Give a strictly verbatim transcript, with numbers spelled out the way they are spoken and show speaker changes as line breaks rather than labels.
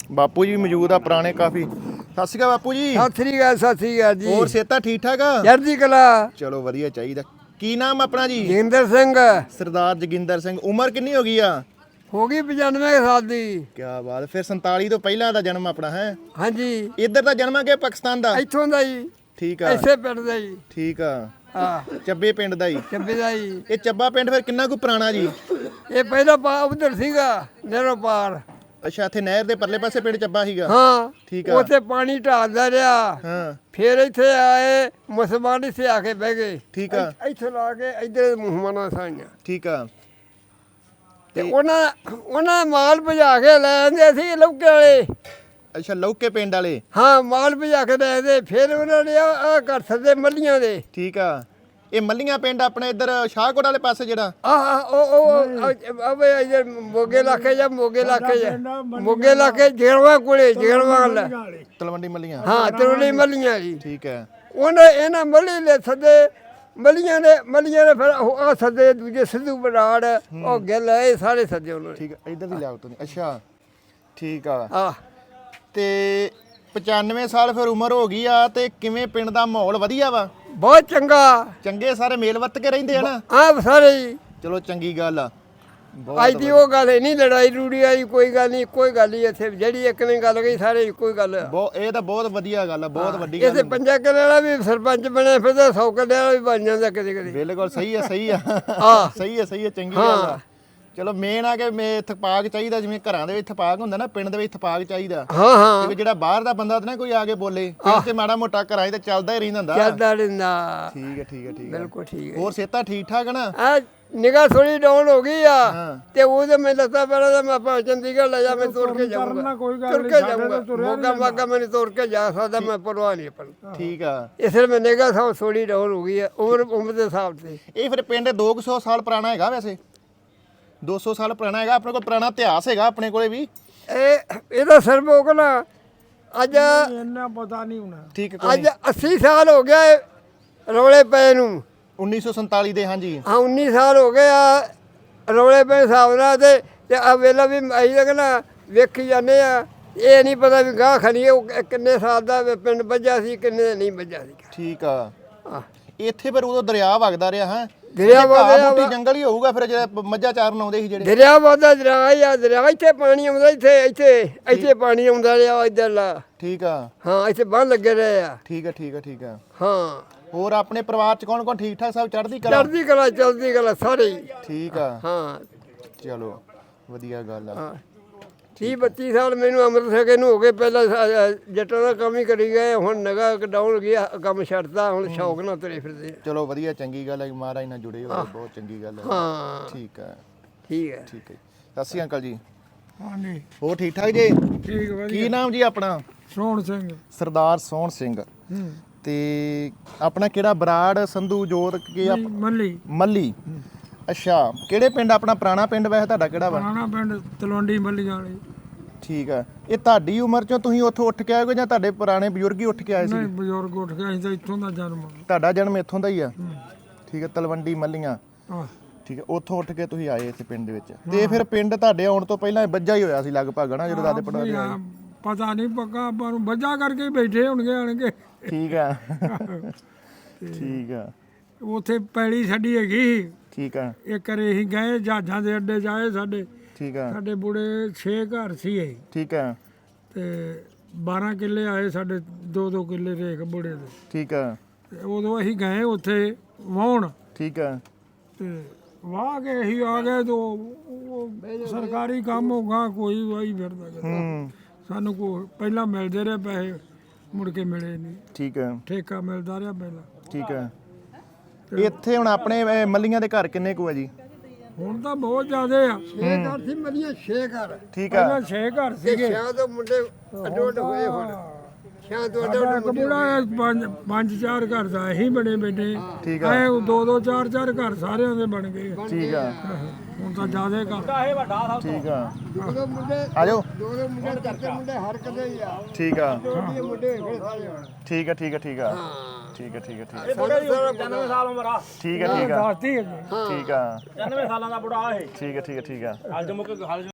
ਬਾਪੂ ਜੀ ਮੌਜੂਦ ਆ ਪੁਰਾਣੇ ਕਾਫੀ। ਸਤਿ ਸ਼੍ਰੀ ਅਕਾਲ ਬਾਪੂ ਜੀ।
ਸਤਿ ਸ੍ਰੀ ਅਕਾਲ ਸਤਿ ਸ੍ਰੀ ਅਕਾਲ ਜੀ।
ਹੋਰ ਸਿਹਤਾਂ ਠੀਕ ਠਾਕ ਆ?
ਚੜ੍ਹਦੀ ਕਲਾ।
ਚਲੋ ਵਧੀਆ ਚਾਹੀਦਾ। ਕੀ ਨਾਮ ਆਪਣਾ ਜੀ?
ਜੋਗਿੰਦਰ ਸਿੰਘ।
ਸਰਦਾਰ ਜੋਗਿੰਦਰ ਸਿੰਘ। ਉਮਰ ਕਿੰਨੀ ਹੋ ਗਈ ਆ?
ਹੋ ਗਈ ਪਚਾਨਵੇਂ ਸਾਲ ਦੀ।
ਕੀ ਬਾਤ। ਫਿਰ ਸੰਤਾਲੀ ਤੋਂ ਪਹਿਲਾਂ ਦਾ ਜਨਮ ਆਪਣਾ ਹੈ?
ਹਾਂਜੀ।
ਇੱਧਰ ਦਾ ਜਨਮ ਆ ਕਿ ਪਾਕਿਸਤਾਨ ਦਾ?
ਇੱਥੋਂ ਦਾ ਜੀ।
ਠੀਕ ਆ।
ਇਸੇ ਪਿੰਡ ਦਾ ਜੀ।
ਠੀਕ ਆ।
ਹਾਂ
ਚੱਬੇ ਪਿੰਡ ਦਾ ਹੀ?
ਚੱਬੇ ਦਾ ਜੀ।
ਇਹ ਚੱਬਾ ਪਿੰਡ ਫਿਰ ਕਿੰਨਾ ਕੁ ਪੁਰਾਣਾ ਜੀ?
ਇਹ ਪਹਿਲਾਂ ਪਾ ਉਧਰ ਸੀਗਾ ਨਹਿਰੋਂ ਪਾਰ।
ਅੱਛਾ, ਇੱਥੇ ਨਹਿਰ ਦੇ ਪਰਲੇ ਪਾਸੇ ਪਿੰਡ ਚੱਬਾ ਸੀਗਾ?
ਹਾਂ
ਠੀਕ ਆ।
ਉੱਥੇ ਪਾਣੀ ਢਾਲਦਾ ਰਿਹਾ।
ਹਾਂ।
ਫਿਰ ਇੱਥੇ ਆਏ ਮੁਸਲਮਾਨ ਇੱਥੇ ਆ ਕੇ ਬਹਿ ਗਏ।
ਠੀਕ ਆ।
ਇੱਥੇ ਲਾ ਕੇ ਇੱਧਰ ਮੁਸਲਮਾਨਾਂ ਸਾਈਆਂ।
ਠੀਕ ਆ।
ਤੇ ਉਹਨਾਂ ਉਹਨਾਂ ਮਾਲ ਭਜਾ ਕੇ ਲੈ ਆਂਦੇ ਸੀ ਲੌਕੇ ਵਾਲੇ।
ਅੱਛਾ, ਲੌਕੇ ਪਿੰਡ ਵਾਲੇ?
ਹਾਂ ਮਾਲ ਭਜਾ ਕੇ ਲੈ ਆਂਦੇ। ਫਿਰ ਉਹਨਾਂ ਨੇ ਆ ਘਰ ਸੱਦੇ ਮੱਲੀਆਂ ਦੇ।
ਠੀਕ ਆ। ਇਹ ਮੱਲੀਆਂ ਪਿੰਡ ਆਪਣੇ ਇੱਧਰ ਸ਼ਾਹਕੋਟ ਵਾਲੇ ਪਾਸੇ ਜਿਹੜਾ?
ਆਹ ਉਹ ਉਹ ਅਬੇ ਇਧਰ ਮੋਗੇ ਇਲਾਕੇ ਜਾਂ ਮੋਗੇ ਇਲਾਕੇ ਜਾਂ ਮੋਗੇ ਇਲਾਕੇ ਜੇਲਵਾ ਕੋਲੇ ਜੇਲਵਾ ਵਾਲਾ
ਤਲਵੰਡੀ ਮੱਲੀਆਂ?
ਹਾਂ ਤਲਵੰਡੀ ਮੱਲੀਆਂ ਜੀ।
ਠੀਕ ਹੈ।
ਉਹਨਾਂ ਇਹਨਾਂ ਮੱਲੀ ਲੈ ਸੱਦੇ ਮੱਲੀਆਂ ਨੇ ਮੱਲੀਆਂ ਨੇ ਫਿਰ ਆ ਸੱਦੇ ਦੂਜੇ ਸਿੱਧੂ ਬਰਾੜ ਉਹ ਗਿੱਲ ਇਹ ਸਾਰੇ ਸੱਦੇ ਉਹਨਾਂ ਨੇ।
ਠੀਕ ਹੈ। ਇੱਧਰ ਦੀ ਲਿਆਓ ਤੁਸੀਂ। ਅੱਛਾ ਠੀਕ ਆ।
ਆਹ
ਤੇ ਪਚਾਨਵੇਂ ਸਾਲ ਫਿਰ ਉਮਰ ਹੋ ਗਈ ਆ ਤੇ ਕਿਵੇਂ ਪਿੰਡ ਦਾ ਮਾਹੌਲ ਵਧੀਆ ਵਾ?
ਬਹੁਤ ਚੰਗਾ।
ਚੰਗੇ ਸਾਰੇ ਮੇਲ ਵਰਤ ਕੇ ਰਹਿੰਦੇ ਆ ਨਾ?
ਆਹ ਸਾਰੇ ਜੀ।
ਚਲੋ ਚੰਗੀ ਗੱਲ ਆ।
ਅੱਜ ਦੀ ਉਹ ਗੱਲ ਨਹੀਂ ਲੜਾਈ ਰੂੜੀ ਆਈ ਕੋਈ ਗੱਲ ਨਹੀਂ ਕੋਈ ਗੱਲ ਨਹੀਂ ਇੱਥੇ ਜਿਹੜੀ ਇੱਕ ਨੇ ਗੱਲ ਕਹੀ ਸਾਰੇ ਕੋਈ ਗੱਲ।
ਬਹੁਤ ਇਹ ਤਾਂ ਬਹੁਤ ਵਧੀਆ ਗੱਲ ਆ। ਬਹੁਤ ਵੱਡੀ ਗੱਲ।
ਇੱਥੇ ਪੰਜਾ ਕਿੱਲੇ ਵਾਲਾ ਵੀ ਸਰਪੰਚ ਬਣਿਆ ਫਿਰਦਾ ਸੌ ਕਿੱਲੇ ਵਾਲਾ ਵੀ ਬਣ ਜਾਂਦਾ ਕਦੇ ਕਦੇ।
ਬਿਲਕੁਲ ਸਹੀ ਆ। ਸਹੀ ਆ।
ਹਾਂ
ਸਹੀ ਆ। ਸਹੀ ਆ। ਚੰਗੀ ਗੱਲ ਆ। ਚਲੋ ਮੇਨ ਆ ਕਿ ਮੇ ਇਤਫਾਕ ਚਾਹੀਦਾ। ਜਿਵੇਂ ਘਰਾਂ ਦੇ ਵਿੱਚ ਇਤਫਾਕ ਹੁੰਦਾ ਨਾ, ਪਿੰਡ ਦੇ ਵਿੱਚ ਇਤਫਾਕ ਚਾਹੀਦਾ।
ਹਾਂ ਹਾਂ।
ਜਿਹੜਾ ਬਾਹਰ ਦਾ ਬੰਦਾ ਤੇ ਨਾ ਕੋਈ ਆ ਕੇ ਬੋਲੇ ਪਿੰਡ ਤੇ ਮਾੜਾ ਮੋਟਾ ਘਰਾਂ 'ਚ ਤਾਂ ਚੱਲਦਾ ਹੀ ਰਹਿੰਦਾ ਹੁੰਦਾ।
ਚੱਲਦਾ ਰਹਿੰਦਾ।
ਠੀਕ ਹੈ। ਠੀਕ ਹੈ। ਠੀਕ ਹੈ।
ਬਿਲਕੁਲ ਠੀਕ ਹੈ।
ਹੋਰ ਸਿਹਤਾਂ ਠੀਕ ਠਾਕ ਨਾ?
ਆ ਨਿਗਾਹ ਥੋੜੀ ਡਾਊਨ ਹੋ ਗਈ ਆ
ਹਾਂ।
ਤੇ ਉਹਦੇ ਮੈਂ ਲੱਤਾਂ ਪਹਿਲਾਂ ਤਾਂ ਮੈਂ ਆਪਾਂ ਚੰਡੀਗੜ੍ਹ ਲੈ ਜਾ ਮੈਂ ਤੁਰ ਕੇ ਜਾਊਂਗਾ। ਤੁਰ ਕੇ ਜਾਊਂਗਾ ਮੋਗਾ ਮਾਗਾ ਮੈਨੂੰ ਤੁਰ ਕੇ ਜਾ ਸਕਦਾ ਮੈਂ ਪਰਵਾਹ ਨਹੀਂ ਆਪਣੀ।
ਠੀਕ ਆ।
ਇਸ ਲਈ ਮੈਂ ਨਿਗਾਹ ਥੋੜੀ ਡਾਊਨ ਹੋ ਗਈ ਆ ਉਮਰ ਉਮਰ ਦੇ ਹਿਸਾਬ ਤੇ।
ਇਹ ਫਿਰ ਪਿੰਡ ਦੋ ਕੁ ਸੌ ਸਾਲ ਪੁਰਾਣਾ ਹੈਗਾ? ਵੈਸੇ ਦੋ ਸੌ ਸਾਲ ਪੁਰਾਣਾ ਹੈਗਾ? ਆਪਣੇ ਕੋਲ ਪੁਰਾਣਾ ਇਤਿਹਾਸ ਹੈਗਾ ਆਪਣੇ ਕੋਲੇ ਵੀ?
ਇਹ ਇਹਦਾ ਸਰਬੋਕ ਨਾ ਅੱਜ
ਇੰਨਾ ਪਤਾ ਨਹੀਂ ਹੋਣਾ।
ਠੀਕ ਹੈ।
ਅੱਜ ਅੱਸੀ ਸਾਲ ਹੋ ਗਿਆ ਰੌਲੇ ਪਏ ਨੂੰ।
ਉੱਨੀ ਸੌ ਸੰਤਾਲੀ ਦੇ? ਹਾਂਜੀ
ਹਾਂ ਉੱਨੀ ਸਾਲ ਹੋ ਗਏ ਆ ਰੌਲੇ ਪਏ ਹਿਸਾਬ ਨਾਲ। ਤੇ ਤੇ ਆ ਵੇਲਾ ਵੀ ਅਸੀਂ ਤਾਂ ਕਹਿੰਦਾ ਵੇਖੀ ਜਾਂਦੇ ਆ। ਇਹ ਨਹੀਂ ਪਤਾ ਵੀ ਗਾਹ ਖਣੀ ਉਹ ਕਿੰਨੇ ਸਾਲ ਦਾ ਪਿੰਡ ਵੱਜਾ ਸੀ ਕਿੰਨੇ ਨਹੀਂ ਵੱਜਾ ਸੀ।
ਠੀਕ ਆ।
ਆਹ
ਇੱਥੇ ਫਿਰ ਉਦੋਂ ਦਰਿਆ ਵਗਦਾ ਰਿਹਾ ਹੈ?
ਦਰਿਆ ਵਗਦਾ
ਬੂਟੀ ਜੰਗਲ ਹੀ ਹੋਊਗਾ ਫਿਰ ਜਿਹੜੇ ਮੱਝਾਂ ਚਾਰਨ ਆਉਂਦੇ ਸੀ ਜਿਹੜੇ?
ਦਰਿਆ ਵਗਦਾ ਦਰਿਆ ਹੀ ਆ ਦਰਿਆ ਇੱਥੇ ਪਾਣੀ ਆਉਂਦਾ ਇੱਥੇ ਇੱਥੇ ਇੱਥੇ ਪਾਣੀ ਆਉਂਦਾ ਰਿਹਾ ਇੱਧਰਲਾ।
ਠੀਕ ਆ।
ਹਾਂ ਇੱਥੇ ਬੰਨ ਲੱਗੇ ਰਹੇ ਆ।
ਠੀਕ ਆ। ਠੀਕ ਆ। ਠੀਕ ਆ।
ਹਾਂ।
ਹੋਰ ਆਪਣੇ ਪਰਿਵਾਰ ਚ ਕੌਣ ਕੌਣ ਠੀਕ ਠਾਕ ਸਭ? ਚੜ੍ਹਦੀ ਕਲਾ?
ਚੜ੍ਹਦੀ ਕਲਾ ਚੜ੍ਹਦੀ ਕਲਾ ਸਾਰੇ ਹੀ।
ਠੀਕ ਆ।
ਹਾਂ।
ਚਲੋ ਵਧੀਆ ਗੱਲ ਆ।
ਹਾਂ ਤੀਹ ਬੱਤੀ ਸਾਲ ਮੈਨੂੰ ਅੰਮ੍ਰਿਤ ਛਕੇ ਨੂੰ ਹੋ ਗਏ। ਪਹਿਲਾਂ ਜੱਟਾਂ ਦਾ ਕੰਮ ਹੀ ਕਰੀ ਗਏ ਹੁਣ ਨਗਾ ਡਾਊਨ ਗਿਆ ਕੰਮ ਛੱਡਦਾ ਹੁਣ ਸ਼ੌਕ ਨਾਲ ਤੁਰੇ ਫਿਰਦੇ।
ਚਲੋ ਵਧੀਆ ਚੰਗੀ ਗੱਲ ਹੈ। ਮਹਾਰਾਜ ਨਾਲ ਜੁੜੇ ਹੋਏ ਬਹੁਤ ਚੰਗੀ ਗੱਲ ਹੈ।
ਹਾਂ
ਠੀਕ ਹੈ।
ਠੀਕ ਹੈ।
ਠੀਕ ਹੈ। ਸਤਿ ਸ਼੍ਰੀ ਅਕਾਲ ਜੀ।
ਹਾਂਜੀ
ਹੋਰ ਠੀਕ ਠਾਕ ਜੀ?
ਠੀਕ ਵਧੀਆ।
ਕੀ ਨਾਮ ਜੀ ਆਪਣਾ?
ਸੋਹਣ ਸਿੰਘ।
ਸਰਦਾਰ ਸੋਹਣ ਸਿੰਘ।
ਹੂੰ।
ਤੇ ਆਪਣਾ ਕਿਹੜਾ ਬਰਾੜ ਸੰਧੂ ਜੋਤ ਕੀ ਆ?
ਮੱਲੀ।
ਮੱਲੀ। ਅੱਛਾ ਕਿਹੜੇ ਪਿੰਡ ਆਪਣਾ? ਪੁਰਾਣਾ ਪਿੰਡ ਵੈਸੇ ਤੁਹਾਡਾ ਕਿਹੜਾ ਵਾ?
ਪੁਰਾਣਾ ਪਿੰਡ ਤਲਵੰਡੀ ਮੱਲੀਆਂ ਵਾਲੀ।
ਠੀਕ ਆ। ਇਹ ਤੁਹਾਡੀ ਉਮਰ ਚੋਂ ਤੁਸੀਂ ਉੱਥੋਂ ਉੱਠ ਕੇ ਆਏ ਹੋ ਜਾਂ ਤੁਹਾਡੇ ਪੁਰਾਣੇ ਬਜ਼ੁਰਗ ਹੀ ਉੱਠ ਕੇ ਆਏ ਸੀ?
ਨਹੀਂ ਬਜ਼ੁਰਗ ਉੱਠ ਗਿਆ ਅਸੀਂ ਤਾਂ ਇੱਥੋਂ ਦਾ ਜਨਮ।
ਤੁਹਾਡਾ ਜਨਮ ਇੱਥੋਂ ਦਾ ਹੀ ਆ? ਠੀਕ ਹੈ। ਤਲਵੰਡੀ ਮੱਲੀਆਂ।
ਆਹ
ਠੀਕ ਹੈ। ਉੱਥੋਂ ਉੱਠ ਕੇ ਤੁਸੀਂ ਆਏ ਇੱਥੇ ਪਿੰਡ ਦੇ ਵਿੱਚ। ਤੇ ਫਿਰ ਪਿੰਡ ਤੁਹਾਡੇ ਆਉਣ ਤੋਂ ਪਹਿਲਾਂ ਵੱਜਾ ਹੀ ਹੋਇਆ ਸੀ ਲਗਭਗ ਨਾ ਜਦੋਂ ਦਾਦੇ ਪੜਾਦੇ ਆਏ?
ਪਤਾ ਨਹੀਂ ਪੱਕਾ ਆਪਾਂ ਨੂੰ ਵੱਜਾ ਕਰਕੇ ਬੈਠੇ ਹੋਣਗੇ ਆਣਗੇ।
ਠੀਕ ਆ। ਠੀਕ ਆ।
ਉੱਥੇ ਪੈਲੀ ਸਾਡੀ ਹੈਗੀ।
ਠੀਕ ਆ।
ਇੱਕ ਵਾਰੀ ਅਸੀਂ ਗਏ ਜਹਾਜ਼ਾਂ ਦੇ ਅੱਡੇ ਜਾਏ ਸਾਡੇ।
ਠੀਕ ਆ।
ਸਾਡੇ ਬੁੜੇ ਛੇ ਘਰ ਸੀ ਇਹ
ਠੀਕ ਆ।
ਤੇ ਬਾਰਾਂ ਕਿੱਲੇ ਆਏ ਸਾਡੇ ਦੋ ਦੋ ਕਿੱਲੇ ਰੇਖ ਬੁੜੇ ਦੇ।
ਠੀਕ ਆ।
ਤੇ ਉਦੋਂ ਅਸੀਂ ਗਏ ਉੱਥੇ ਵਾਹੁਣ।
ਠੀਕ ਆ।
ਤੇ ਵਾਹ ਕੇ ਅਸੀਂ ਆ ਗਏ ਤੋਂ ਉਹ ਸਰਕਾਰੀ ਕੰਮ ਹੋਗਾ ਕੋਈ ਵਾਹੀ ਫਿਰਦਾ।
ਹੂੰ।
ਸਾਨੂੰ ਕੋ ਪਹਿਲਾਂ ਮਿਲਦੇ ਰਹੇ ਪੈਸੇ ਮੁੜ ਕੇ ਮਿਲੇ ਨਹੀਂ।
ਠੀਕ ਆ।
ਠੇਕਾ ਮਿਲਦਾ ਰਿਹਾ ਪਹਿਲਾਂ।
ਠੀਕ ਆ। ਇੱਥੇ ਹੁਣ ਆਪਣੇ ਇਹ ਮੱਲੀਆਂ ਦੇ ਘਰ ਕਿੰਨੇ ਕੁ ਆ ਜੀ?
ਹੁਣ ਤਾਂ ਬਹੁਤ ਜ਼ਿਆਦੇ ਆ।
ਛੇ ਘਰ ਸੀ ਮਰੀਆਂ ਛੇ ਘਰ।
ਠੀਕ ਆ।
ਪਹਿਲਾਂ ਛੇ ਘਰ ਸੀਗੇ।
ਛਿਆਂ ਤੋਂ ਮੁੰਡੇ ਅੱਡੋ ਅੱਡ ਹੋਏ ਹੁਣ। ਛਿਆਂ ਤੋਂ ਅੱਡੋ ਅੱਡ ਮੁੰਡੇ
ਬੁੜਾ ਪੰਜ ਪੰਜ ਚਾਰ ਘਰ ਦਾ ਅਸੀਂ ਬਣੇ ਬੈਠੇ।
ਠੀਕ ਆ।
ਐ ਦੋ ਦੋ ਚਾਰ ਚਾਰ ਘਰ ਸਾਰਿਆਂ ਦੇ ਬਣ ਗਏ।
ਠੀਕ ਆ।
ਹੁਣ ਤਾਂ ਜ਼ਿਆਦੇ ਘਰ।
ਠੀਕ ਆ।
ਦੋ ਦੋ ਮੁੰਡੇ
ਆ ਜਾਓ।
ਦੋ ਦੋ ਮੁੰਡੇ ਕਰਦੇ ਮੁੰਡੇ ਹਰ ਕਦੇ ਹੀ ਆ।
ਠੀਕ ਆ।
ਦੋ ਦੋ ਮੁੰਡੇ ਹੋਏ ਸਾਰੇ ਹੁਣ।
ਠੀਕ ਆ। ਠੀਕ ਆ। ਠੀਕ ਆ।
ਹਾਂ
ਠੀਕ ਆ। ਠੀਕ ਆ। ਠੀਕ ਆ।
ਪਚਾਨਵੇਂ ਸਾਲ ਉਮਰ ਆ।
ਠੀਕ ਆ। ਠੀਕ ਆ।
ਦੱਸਦੀ ਹੈ
ਠੀਕ ਆ।
ਪਚਾਨਵੇਂ ਸਾਲਾਂ ਦਾ ਬੁੜਾ ਇਹ।
ਠੀਕ ਆ। ਠੀਕ ਆ। ਠੀਕ ਆ।
ਹਲ ਜਮੁਕ ਹਲ